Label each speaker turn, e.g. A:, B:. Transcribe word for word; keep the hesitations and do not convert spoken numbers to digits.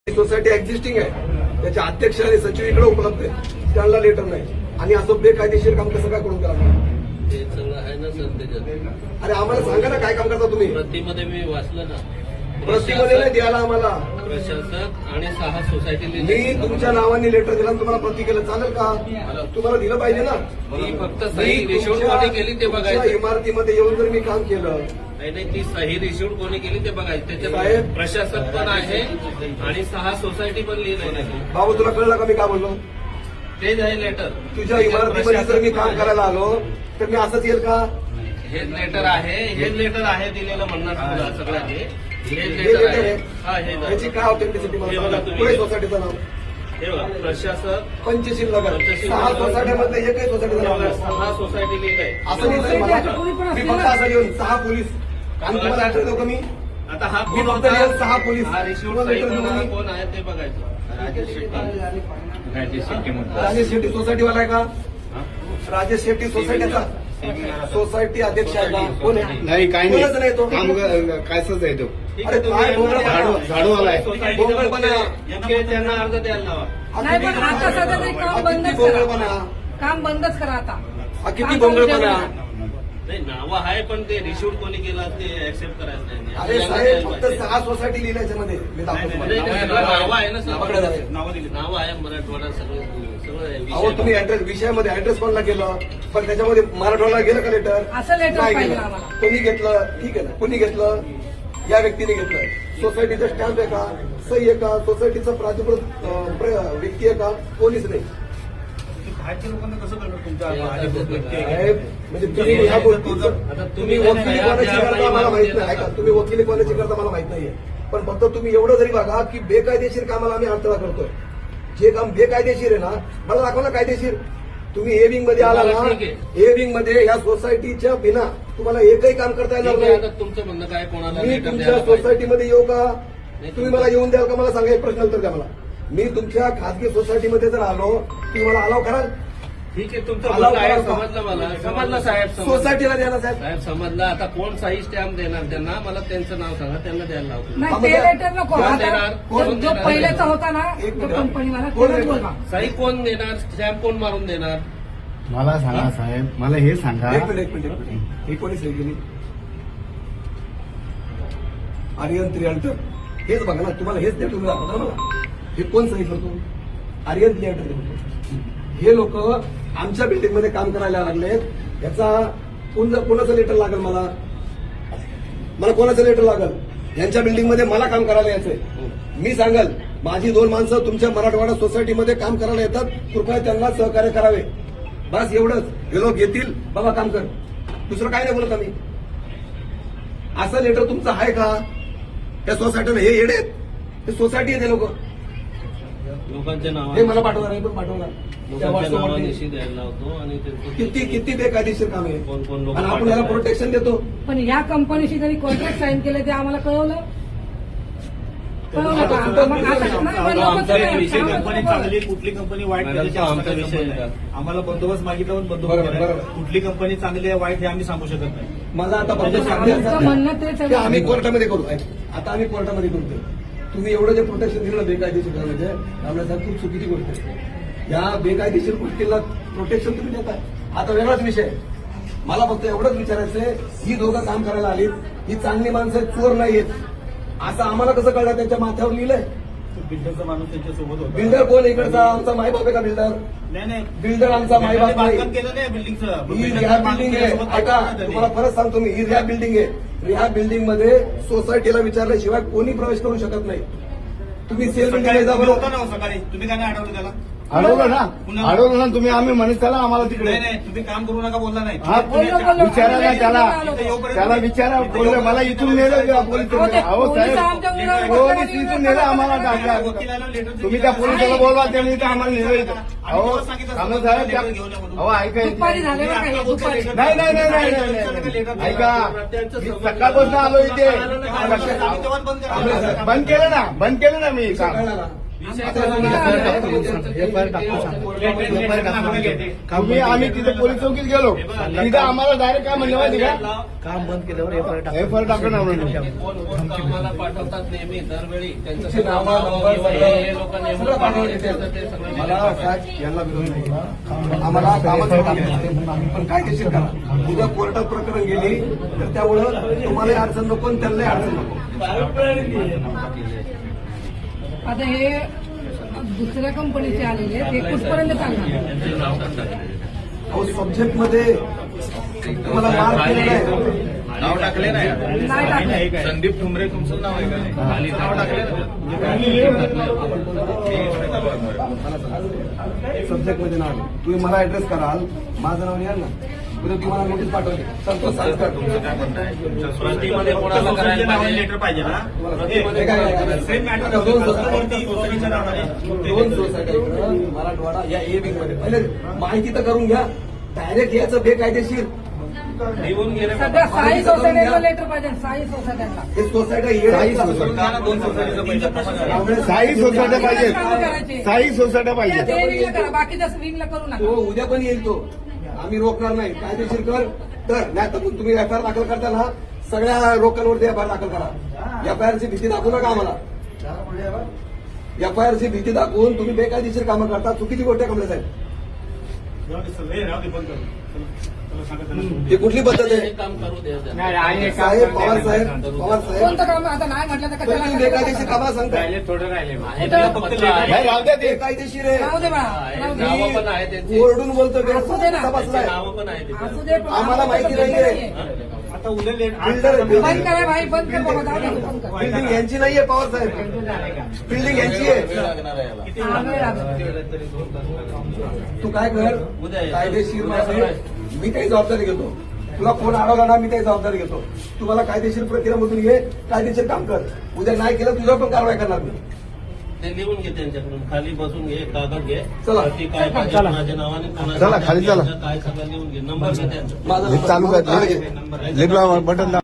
A: Society existing आहे, त्याचे अध्यक्ष आणि सचिव इकडे उपलब्ध आहे, त्यांना लेटर नाही आणि असं बेकायदेशीर काम कसं काय करून करा?
B: ते सगळं आहे ना सर त्याच्यात.
A: अरे आम्हाला सांगा ना काय काम करता तुम्ही?
B: प्रतिमध्ये मी वाचलं ना,
A: प्रतिमध्ये नाही द्यायला आम्हाला.
B: प्रशासक आणि सहा सोसायटी
A: मी तुमच्या नावाने लेटर दिला आणि तुम्हाला प्रति केलं, चालेल का? तुम्हाला दिलं पाहिजे ना.
B: मी फक्त सही रिशूड कोणी केली ते बघायचं.
A: इमारतीमध्ये येऊन जर मी काम केलं
B: नाही नाही ती सही रिशूड कोणी केली ते बघायचं. त्याच्यात
A: साहेब
B: प्रशासक पण आहे आणि सहा सोसायटी पण लिहिलंय.
A: बाबू तुला कळलं का मी काय बोललो?
B: तेच आहे लेटर.
A: तुझ्या इमारतीमध्ये जर मी काम करायला आलो तर मी असंच येईल का?
B: हेच लेटर आहे, हेच लेटर आहे दिलेलं म्हणणार तुला सगळं. हे
A: हे
B: हेच
A: लेटर
B: लेटर
A: आहे.
B: आहे. हा हे
A: याची काय ऑथेंटिसिटी
B: हे
A: मला
B: बघा
A: सांगा.
B: तुम्ही.
A: पुढे सोसायटीचं नाव
B: हे बघा प्रशासक
A: पंचशील नगर.
B: पंचशील
A: सहा
B: नगर.
A: सोसायटीमध्ये एकही सोसायटीचं नाव नाही.
B: सहा सोसायटी लिहिलंय.
A: असं नाही मला. मी फक्त असं येऊन सहा पोलीस आणि तुम्हाला लेटर देऊ का मी?
B: आता हा
A: मी
B: कोण
A: फक्त येऊन सहा पोलीस
B: हा रिशूड
A: तुम्हाला लेटर देऊ का मी?
B: कोण आहे ते बघायचं. राजेश शेट्टी. राजेश शेट्टी म्हणतात.
A: राजेश शेट्टी सोसायटीवाला आहे का? राजेश शेट्टी सोसायटीचा सोसायटी अध्यक्ष आहे का? कोण आहे?
C: नाही काही
A: कोणच नाही तो.
C: काम कायच आहे तो.
A: अरे काय बोलणं
C: झाडू झाडूवाला आहे.
B: सोसायटीचा
A: बोंगळपणा.
B: इतके त्यांना अर्ज द्यायला लावा.
A: हा
D: नाही
A: किती-
D: पण आता सध्या तरी काम
A: हा
D: बंदच
A: किती बोंगळपणा.
D: करा. काम बंदच करा आता.
A: हा किती
D: काम
A: बोंगळपणा.
D: चालू
B: नाही नावं आहे पण ते रिशूड कोणी केलं ते ऍक्सेप्ट करायचं नाही.
A: अरे साहेब फक्त सहा सोसायटी लिहिल्या याच्यामध्ये मी दाखवतो
B: नाही,
A: तुम्हाला.
B: नाही, सगळं नावं आहे ना
A: नावाकडे जाऊया.
B: सर. नावं दिली. नावं आहे मराठवाडा सगळं सगळं आहे.
A: अहो
B: विषय
A: तुम्ही ऍड्रेस विषयामध्ये ऍड्रेस कोणला केलं पण त्याच्यामध्ये मराठवाडा गेलं का लेटर?
D: असं लेटर
A: नाही
D: पाहिजे
A: गेलं.
D: आम्हाला.
A: कोणी घेतलं? ठीक आहे ना. कोणी घेतलं? या व्यक्तीने घेतलं. सोसायटीचा स्टॅम्प आहे का? सही आहे का? सोसायटीचा प्राधिकृत अं, प्र- व्यक्ती आहे का? कोणीच नाही.
E: बाहेरच्या लोकांना कसं कळणार तुमच्या
B: ते आता
E: अधिकृत व्यक्ती आहे?
A: साहेब म्हणजे तुम्ही ह्या गोष्टीचं
B: आता
A: तुम्ही
B: तुम्ही
A: वकिली
B: त्या-
A: कोणाची
B: त्या
A: करता मला माहित नाही.
B: बाईमध्ये
A: ऐका तुम्ही वकिली कोणाची करता मला माहित नाहीये पण फक्त तुम्ही एवढं जरी बघा की बेकायदेशीर कामाला आम्ही अडथळा करतोय. जे काम बेकायदेशीर आहे ना मला दाखवा ना कायदेशीर. तुम्ही ए विंग मध्ये आला ना,
B: ठीक आहे.
A: ए विंग मध्ये या सोसायटीच्या बिना तुम्हाला एकही काम करता येणार
B: ठीक आहे,
A: नाही.
B: आता तुमचं म्हणणं काय कोणाला
A: मी
B: लेटर
A: तुमच्या
B: द्यायला पाहिजे?
A: सोसायटीमध्ये येऊ का?
B: नाही,
A: तुम्ही मला येऊन द्याल का? मला सांगा एक प्रश्न उत्तर द्या मला. मी तुमच्या खासगी सोसायटीमध्ये जर आलो तुम्ही मला अलाव कराल?
B: ठीक आहे तुमचं
A: अलाव
B: म्हणणं आहे
A: करा.
B: समजलं मला. समजलं साहेब समजलं.
A: सोसायटीला द्या ना साहेब.
B: साहेब समजलं. आता कोण सही स्टॅम्प देणार त्यांना? मला त्यांचं नाव सांगा, त्यांना द्यायला लावतो.
D: नाही
A: हा,
D: ते
A: म्हणजे
D: लेटर नको.
A: कोण
D: आता
B: देणार?
D: जो-
B: कोण
D: जो
B: देणार?
D: पहिल्याचा होता ना
A: एक
D: तो
A: मिनिट.
D: कंपनीवाला
A: कोण
D: त्यालाच
A: देणार?
D: बोलवा.
B: सही कोण देणार? स्टॅम्प कोण मारून देणार?
C: मला सांगा साहेब, मला हे सांगा.
A: एक मिनिट एक मिनिट एक मिनिट. ही कोणी सही केली? आर्यन त्रिअल्टर. हेच बघा ना तुम्हाला हेच द्या तुम्ही दाखवता ना मला. हे कोण सही करतो? आर्यन त्रिअल्टर. हे लोक आमच्या बिल्डिंग मध्ये काम करायला लागलेत. याचा कोण कोणाचं लेटर लागेल मला? मला कोणाचं लेटर लागेल? यांच्या बिल्डिंग मध्ये मला काम करायला यायचंय. मी सांगाल माझी दोन माणसं तुमच्या मराठवाडा सोसायटीमध्ये काम करायला येतात, कृपया त्यांना सहकार्य करावे. बस एवढंच. हे लोक येतील बाबा काम कर, दुसरं काय नाही बोलत आम्ही. असं लेटर तुमचं आहे का? त्या सोसायटीने हे येडे आहेत. हे सोसायटी आहे ते लोक.
B: लोकांच्या नाव
A: हे मला पाठवणार आहे पण पाठवणार त्या
B: लोकांच्या
A: व्हॉट्सअपवरती.
B: नावानिशी द्यायला लावतो आणि त्यांचं
A: किती किती बेकायदेशीर काम आहे
B: कोण कोण लोक
A: आणि आपण याला प्रोटेक्शन देतो.
D: पण या कंपनीशी जरी कॉन्ट्रॅक्ट साईन केले ते आम्हाला कळवलं कळवलं का?
A: आमचा-
D: मग आता- नाही, मग लोकं
B: आमचा
D: सगळे-
E: विषय
D: आम्हाला
E: कंपनी
D: कळवलं.
E: चांगली कुठली कंपनी वाईट
B: मॅडम,
E: त्याच्याशी
B: तो आमचा
E: आमचा काही
B: विषय
E: संबंध
B: आहे.
E: नाही. आम्हाला बंदोबस्त मागितला पण बंदोबस्त
A: बरोबर,
E: केला.
A: बरोबर.
E: कुठली कंपनी चांगली आहे वाईट हे आम्ही सांगू शकत नाही.
A: माझा आता फक्त
D: आमचं
A: सांगायचं
D: म्हणणं तेच आहे.
A: की आम्ही कोर्टामध्ये करू. ऐक, आता आम्ही कोर्टामध्ये करतोय. तुम्ही एवढं जे प्रोटेक्शन दिलं बेकायदेशीर करायचे आपल्यासाठी खूप चुकीची गोष्ट आहे. या बेकायदेशीर गोष्टीला प्रोटेक्शन तुम्ही देताय. आता वेगळाच विषय आहे. मला फक्त एवढंच विचारायचंय, ही दोघं काम करायला आली, ही चांगली माणसं आहेत, चोर नाहीयेत, असं आम्हाला कसं कळलं? त्यांच्या माथ्यावर लिहिलंय.
E: बिल्डरचा माणूस त्यांच्या सोबत होता.
A: बिल्डर कोण इकडचा? आमचा मायबाप आहे का बिल्डर?
E: नाही नाही
A: बिल्डर आमचा मायबाप नाही.
E: बांधकाम केलं नाही बिल्डिंगचं.
A: ही रिहा बिल्डिंग आहे. ऐका तुम्हाला परत सांगतो मी, ही रिहा बिल्डिंग आहे. रिहा बिल्डिंग मध्ये सोसायटीला विचारल्याशिवाय कोणी प्रवेश करू शकत नाही. तुम्ही सेल बिल्डिंग जा
E: तुम्ही होता
A: बरोबर.
E: ना सकाळी, तुम्ही काय नाही अडवलं त्याला?
C: अडवलं ना अडवलं ना तुम्ही. आम्ही म्हणत चला आम्हाला तिकडे.
E: नाही नाही तुम्ही काम करू नका बोलला नाही.
C: हा
D: बोललो, बोललो.
C: विचारा ना त्याला.
E: इथं येऊपर्यंत-
C: त्याला विचारा. बोलले मला इथून नेलं का पोलीस?
D: अहो, ते
C: अहो
D: पोलिस
C: साहेब,
D: आमच्या मुलाला
C: पोलीस
D: बसवायला
C: इथून नेलं आम्हाला टाका.
E: वकिलाला लेटर
C: तुम्ही त्या पोलिसाला बोलवा, त्यांनी इथं आम्हाला नेलं इथं. अहो कामत साहेब त्या- अहो ऐका इथे.
D: दुपारी झाले बरं का हे, दुपारी.
C: नाही नाही नाही नाही नाही, नाही ऐका मी सकाळपासून आलो इथे. बंद केलं ना बंद केलं ना मी काम.
A: कळलं ना?
B: विषय
A: आता
B: कळला
A: तुम्ही
B: नाही.
A: एफ आय आर टाकतो.
B: एफ आय आर टाकतो सांगा.
C: एफ आय आर टाकतो. तुम्ही आम्ही तिथे पोलीस चौकीत गेलो तिथं आम्हाला डायरेक्ट काय म्हणलं माहिती का
F: काम बंद केल्यावर F I R
C: F I R टाकलं ना म्हणून
B: कोण कोण कामाला पाठवतात नेहमी दरवेळी त्यांचं
A: तुमची
B: नाव
A: नावं, नंबर,
B: किंवा हे हे लोक
A: सगळं
B: नेमून
A: पाठवून
B: पाठवले
A: देते.
B: त्याचं ते सगळं
A: मला
B: डिलीट
A: साहेब यांना विरोध नाही. आम्हाला कामाचं काम आहे. पण कायदेशीर करा. उद्या कोर्टात प्रकरण गेली तर त्यामुळं तुम्हालाही अडचण नको आणि त्यांनाही अडचण नको.
D: आता हे दुसऱ्या कंपनीचे आलेले ते कुठपर्यंत चालणार
B: त्यांचे नाव टाकतात.
A: अहो सब्जेक्ट मध्ये तुम्हाला मार्क केलेला आहे.
C: नाव टाकले नाही
D: नाही टाकलं.
C: संदीप ठुमरे तुमचं नाव आहे का
B: खाली
C: नाव टाकले
A: सब्जेक्ट मध्ये नाव आहे. तुम्ही मला ऍड्रेस कराल माझं नाव लिहाल ना उद्या तुम्हाला नोटीस पाठवते संतोष सांगतात
B: प्रतिमध्ये कोणाला करायला पाहिजे
E: लेटर पाहिजे ना
A: प्रतिमध्ये काय करायचं?
E: सेम मॅटर
A: दोन सोसायटी
E: वरती सोसायटीच्या नावाने
A: दोन सोसायटी मराठवाडा या ए विंग मध्ये पहिले माहिती तर करून घ्या. डायरेक्ट याचं बेकायदेशीर
B: लिहून गेले
D: सध्या साई सोसायटीला लेटर पाहिजे साई सोसायट्यांना
A: हे सोसायटी
C: साई सोसायटी.
E: दोन सोसायटीचं पैसे
C: साई सोसायट्या पाहिजेत साई सोसायट्या पाहिजेत
D: ते विंगला करा बाकीच्या विंगला करू
A: तो
D: नका.
A: उद्या पण येईल तो आम्ही रोखणार नाही. कायदेशीर कर तर नाही तर मग तुम्ही एफ आय आर दाखल करता ना सगळ्या लोकांवरती एफ आय आर दाखल करा. एफ आय आरची भीती दाखवू नका आम्हाला. एफ आय आरची भीती दाखवून तुम्ही बेकायदेशीर कामं करता चुकीची गोष्ट आहे कमले साहेब. ही कुठली पद्धत
B: हे
A: आहे
B: काम करू द्या त्यांना.
A: साहेब पवार साहेब पवार साहेब
D: कोणतं काम आता नाही म्हटलं तर
A: तर तुम्ही
D: कशाला
A: बेकायदेशीर कामाला सांगता
B: आहे ते पत्र आहे.
C: नाही राहू द्या ते
A: बेकायदेशीर आहे.
D: राहू दे बाळा
B: आहे,
D: राहू दे.
B: नावं पण आहे त्यांची
A: ओरडून बोलतो
D: असू दे ना.
B: त्यांची
A: बसलाय
B: नावं पण आहे तिथे.
D: असू दे पण
A: आम्हाला माहिती नाहीये.
E: आता उद्या लेट
A: बिल्डर
D: बंद करा भाई बंद कर बाबा जाऊ दे, बंद कर.
A: बिल्डिंग यांची नाहीये पवार साहेब बिल्डिंग यांची
B: वेळ
A: आहे.
B: लागणार आहे याला.
D: हा, वेळ लागेल.
A: तू काय कर
B: उद्या ये.
A: कायदेशीर मध्ये मी काही जबाबदारी घेतो. तुला फोन अडवला ना मी काही जबाबदारी घेतो. तुम्हाला कायदेशीर प्रक्रियामधून घे कायदेशीर काम कर. उद्या नाही केलं तुझ्यावर पण कारवाई करणार मी.
B: ते लिहून घे त्यांच्याकडून खाली बसून घे कागद घे
A: चला.
B: ती काय पाहिजे माझ्या नावाने कोणाचं
C: चला, खाली चला.
B: काय सगळं लिहून घे नंबर घे त्यांचा
A: माझा
C: चालू कर
B: नंबर आहे.
C: बटन